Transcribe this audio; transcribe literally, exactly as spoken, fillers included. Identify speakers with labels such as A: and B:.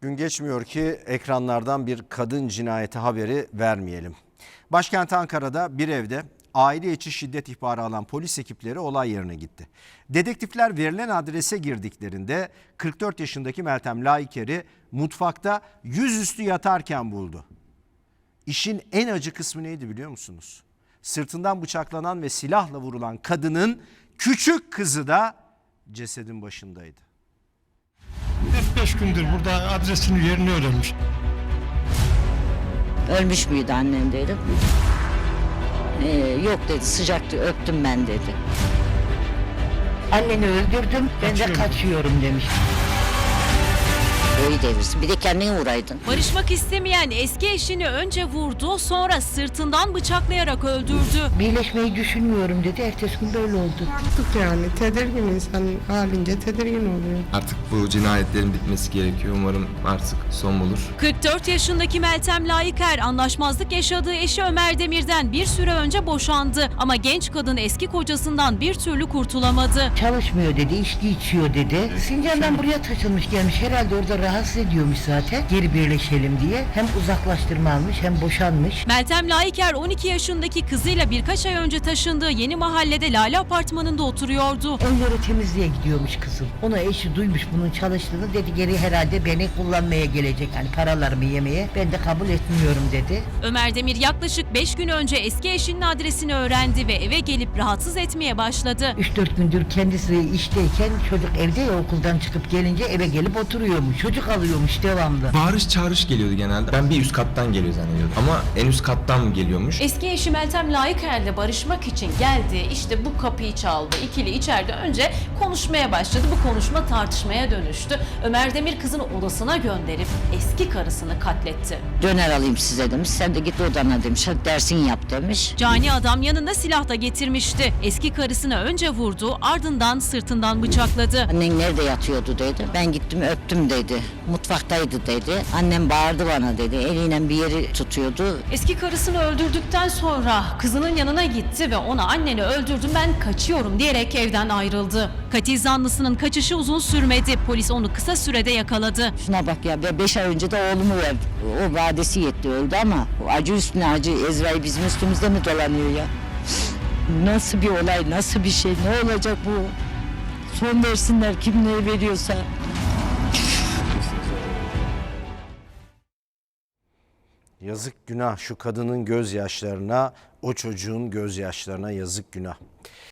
A: Gün geçmiyor ki ekranlardan bir kadın cinayeti haberi vermeyelim. Başkent Ankara'da bir evde aile içi şiddet ihbarı alan polis ekipleri olay yerine gitti. Dedektifler verilen adrese girdiklerinde kırk dört yaşındaki Meltem Laiker'i mutfakta yüzüstü yatarken buldu. İşin en acı kısmı neydi biliyor musunuz? Sırtından bıçaklanan ve silahla vurulan kadının küçük kızı da cesedin başındaydı.
B: dört beş gündür burada adresini yerini öğrenmiş.
C: Ölmüş müydü annem dedim. Ee, yok dedi, sıcaktı, öptüm ben dedi.
D: Anneni öldürdüm, ben de
B: Kaçıyorum.
D: kaçıyorum demiş.
C: Boyu devirsin. Bir de kendine vuraydın.
E: Barışmak istemeyen eski eşini önce vurdu, sonra sırtından bıçaklayarak öldürdü.
D: Birleşmeyi düşünmüyorum dedi, ertesi gün böyle oldu.
F: Artık yani tedirgin, insan halince tedirgin oluyor.
G: Artık bu cinayetlerin bitmesi gerekiyor. Umarım artık son bulur.
E: kırk dört yaşındaki Meltem Laiker anlaşmazlık yaşadığı eşi Ömer Demir'den bir süre önce boşandı. Ama genç kadın eski kocasından bir türlü kurtulamadı.
D: Çalışmıyor dedi, içki içiyor dedi. Sincan'dan buraya taşınmış gelmiş, herhalde orada rahatsız ediyormuş zaten. Geri birleşelim diye. Hem uzaklaştırma almış hem boşanmış.
E: Meltem Laiker on iki yaşındaki kızıyla birkaç ay önce taşındığı yeni mahallede Lale Apartmanı'nda oturuyordu.
D: Evleri temizliğe gidiyormuş kızım. Ona eşi duymuş bunun çalıştığını, dedi geri herhalde beni kullanmaya gelecek. Yani paralarımı yemeye, ben de kabul etmiyorum dedi.
E: Ömer Demir yaklaşık beş gün önce eski eşinin adresini öğrendi ve eve gelip rahatsız etmeye başladı.
D: üç dört gündür kendisi işteyken çocuk evde ya, okuldan çıkıp gelince eve gelip oturuyormuş. Çocuk alıyormuş devamlı.
G: Bağırış çağırış geliyordu genelde. Ben bir üst kattan geliyor zannediyordum. Ama en üst kattan mı geliyormuş?
H: Eski eşi Meltem Laiker'le barışmak için geldi. İşte bu kapıyı çaldı. İkili içeride önce konuşmaya başladı. Bu konuşma tartışmaya dönüştü. Ömer Demir kızını odasına gönderip eski karısını katletti.
C: Döner alayım size demiş. Sen de git odana demiş. Hadi dersini yap demiş.
E: Cani adam yanında silah da getirmişti. Eski karısını önce vurdu, ardından sırtından bıçakladı.
C: Annen nerede yatıyordu dedi. Ben gittim öptüm dedi. Mutfaktaydı dedi. Annem bağırdı bana dedi. Eliyle bir yeri tutuyordu.
H: Eski karısını öldürdükten sonra kızının yanına gitti ve ona anneni öldürdüm ben kaçıyorum diyerek evden ayrıldı.
E: Katil zanlısının kaçışı uzun sürmedi. Polis onu kısa sürede yakaladı.
C: Şuna bak ya, be- beş ay önce de oğlumu verdi. O vadesi yetti, öldü ama o acı üstüne acı, Ezrail bizim üstümüzde mi dolanıyor ya? Nasıl bir olay, nasıl bir şey, ne olacak bu? Son versinler kim neye veriyorsa.
A: Yazık günah şu kadının gözyaşlarına, o çocuğun gözyaşlarına yazık günah.